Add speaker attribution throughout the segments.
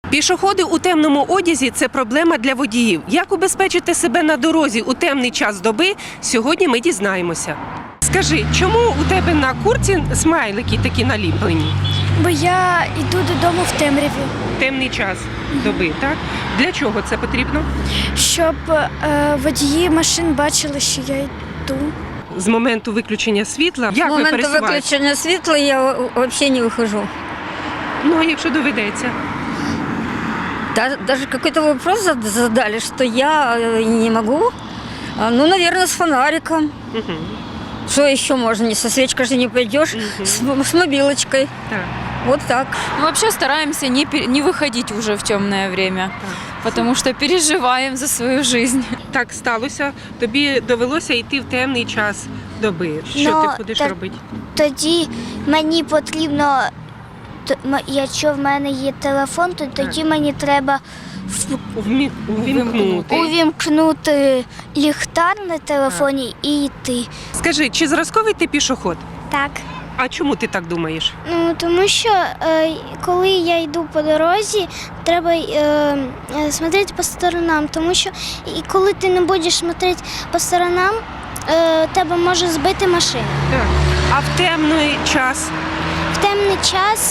Speaker 1: Пішоходи у темному одязі – це проблема для водіїв. Як убезпечити себе на дорозі у темний час доби, сьогодні ми дізнаємося. Скажи, чому у тебе на куртці смайлики такі наліплені?
Speaker 2: Бо я йду додому в темряві.
Speaker 1: Темний час доби, так? Для чого це потрібно?
Speaker 2: Щоб водії машин бачили, що я йду.
Speaker 1: З моменту виключення світла, як
Speaker 3: С
Speaker 1: ви
Speaker 3: момента
Speaker 1: пересуваєтесь?
Speaker 3: выключения светла я вообще не выхожу.
Speaker 1: Ну, а якщо доведеться?
Speaker 3: Даже какой-то вопрос задали, что я не могу. Ну, наверное, с фонариком.
Speaker 1: Угу.
Speaker 3: Что еще можно? Не со свечкой же не пойдешь, с мобилочкой.
Speaker 1: Так.
Speaker 3: Вот так.
Speaker 4: Мы вообще стараемся не выходить уже в темное время, потому что переживаем за свою жизнь.
Speaker 1: Так сталося, тобі довелося йти в темний час доби. Що
Speaker 5: Ну,
Speaker 1: ти будеш
Speaker 5: так-
Speaker 1: робити?
Speaker 5: Тоді мені потрібно, якщо в мене є телефон, то тоді мені треба
Speaker 1: Увімкнути.
Speaker 5: увімкнути ліхтар на телефоні і йти.
Speaker 1: Скажи, чи зразковий ти пішоход?
Speaker 5: Так.
Speaker 1: А чому ти так думаєш?
Speaker 5: Ну, тому що коли я йду по дорозі, треба смотрети по сторонам, тому що і коли ти не будеш смотрети по сторонам, тебе може збити машина.
Speaker 1: Так. А в темний час?
Speaker 5: В темний час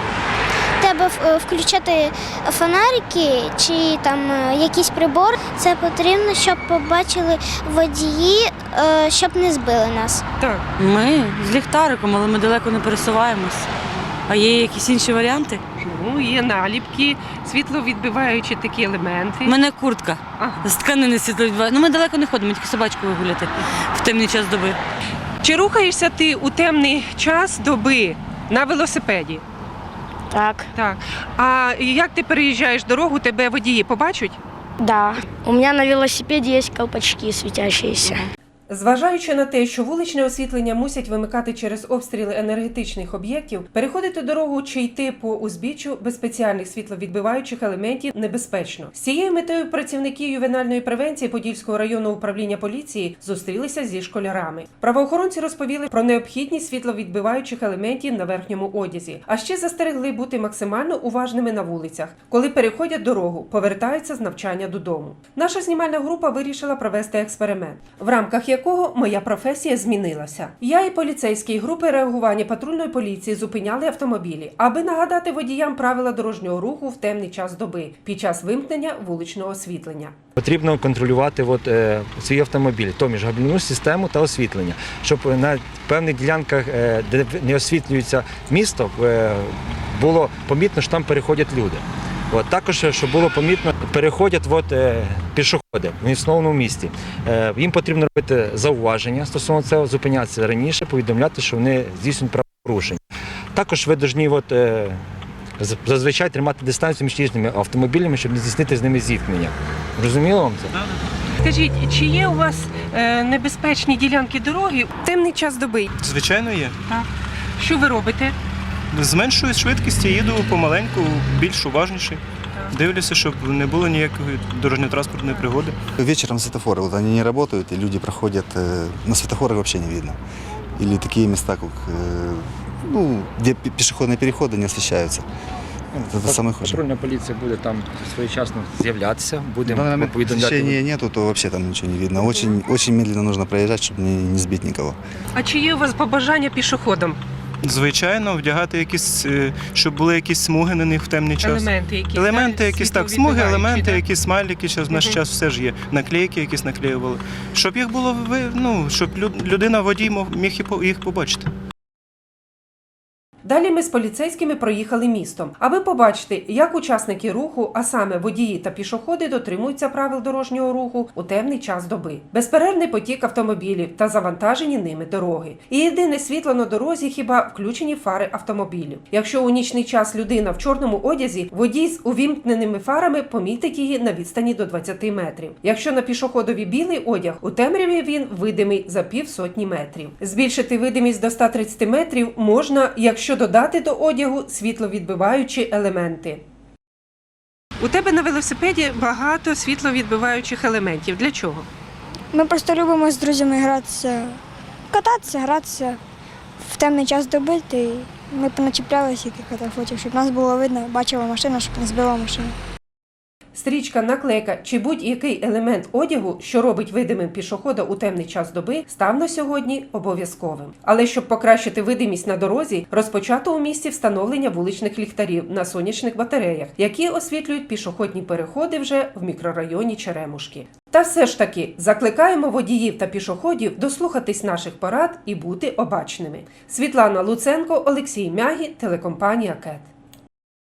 Speaker 5: треба включати фонарики чи там якийсь прибор. Це потрібно, щоб побачили водії, щоб не збили нас.
Speaker 1: Так.
Speaker 6: Ми з ліхтариком, але ми далеко не пересуваємось. А є якісь інші варіанти?
Speaker 1: Ну, є наліпки, світловідбиваючі такі елементи.
Speaker 6: У мене куртка
Speaker 1: Ага.
Speaker 6: з тканини світловідбиває. Ну ми далеко не ходимо, тільки собачку вигуляти в темний час доби.
Speaker 1: Чи рухаєшся ти у темний час доби на велосипеді?
Speaker 2: Так.
Speaker 1: Так. А як ти переїжджаєш дорогу, тебе водії побачать?
Speaker 2: Да. У меня на велосипеде есть колпачки светящиеся.
Speaker 1: Зважаючи на те, що вуличне освітлення мусять вимикати через обстріли енергетичних об'єктів, переходити дорогу чи йти по узбіччю без спеціальних світловідбиваючих елементів небезпечно. З цією метою працівники ювенальної превенції Подільського районного управління поліції зустрілися зі школярами. Правоохоронці розповіли про необхідність світловідбиваючих елементів на верхньому одязі, а ще застерегли бути максимально уважними на вулицях, коли переходять дорогу, повертаються з навчання додому. Наша знімальна група вирішила провести експеримент, в рамках якого моя професія змінилася. Я і поліцейські групи реагування патрульної поліції зупиняли автомобілі, аби нагадати водіям правила дорожнього руху в темний час доби під час вимкнення вуличного освітлення.
Speaker 7: Потрібно контролювати свій автомобіль, тобто габаритну систему та освітлення, щоб на певних ділянках, де не освітлюється місто, було помітно, що там переходять люди. Також, щоб було помітно, переходять пішоходи в основному місті. Їм потрібно робити зауваження стосовно цього, зупинятися раніше, повідомляти, що вони здійснюють правопорушення. Також ви повинні зазвичай тримати дистанцію між різними автомобілями, щоб не здійснити з ними зіткнення. Розуміло вам це?
Speaker 1: Скажіть, чи є у вас небезпечні ділянки дороги в темний час доби?
Speaker 8: Звичайно, є.
Speaker 1: Так. Що ви робите?
Speaker 8: Зменшую швидкість, їду помаленьку, більш уважніше. Дивлюся, щоб не було ніякої дорожньо-транспортної пригоди.
Speaker 9: Вечером светофоры, вот они не работают, и люди проходят, на светофорах вообще не видно. Или такие места, как, где пешеходные переходы не освещаются. Это самое хуже.
Speaker 7: Патрульна поліція буде там своєчасно з'являтися,
Speaker 9: В данный
Speaker 7: будемо
Speaker 9: момент
Speaker 7: повідомляти.
Speaker 9: освещения нету, то вообще там ничего не видно. Очень медленно нужно проезжать, чтобы не сбить никого.
Speaker 1: А чи є у вас побажання пішоходам?
Speaker 8: Звичайно, вдягати якісь, щоб були якісь смуги на них в темний час.
Speaker 1: Елементи якісь?
Speaker 8: Елементи якісь, так, смуги, елементи,
Speaker 1: так?
Speaker 8: якісь смайлики, зараз в наш час все ж є. Наклейки якісь наклеювали. Щоб їх було, щоб людина, водій міг їх побачити.
Speaker 1: Далі ми з поліцейськими проїхали містом, аби побачити, як учасники руху, а саме водії та пішоходи, дотримуються правил дорожнього руху у темний час доби. Безперервний потік автомобілів та завантажені ними дороги. І єдине світло на дорозі хіба включені фари автомобілів. Якщо у нічний час людина в чорному одязі, водій з увімкненими фарами помітить її на відстані до 20 метрів. Якщо на пішоходові білий одяг, у темряві він видимий за півсотні метрів. Збільшити видимість до 130 метрів можна, якщо додати до одягу світловідбиваючі елементи. У тебе на велосипеді багато світловідбиваючих елементів. Для чого?
Speaker 2: Ми просто любимо з друзями гратися, кататися, гратися в темний час доби, і ми поначіплялися тих фотів, щоб нас було видно, бачила машина, щоб не збила машину.
Speaker 1: Стрічка, наклейка чи будь-який елемент одягу, що робить видимим пішохода у темний час доби, став на сьогодні обов'язковим. Але щоб покращити видимість на дорозі, розпочато у місті встановлення вуличних ліхтарів на сонячних батареях, які освітлюють пішохідні переходи вже в мікрорайоні Черемушки. Та все ж таки, закликаємо водіїв та пішоходів дослухатись наших порад і бути обачними. Світлана Луценко, Олексій Мягі, телекомпанія КЕТ.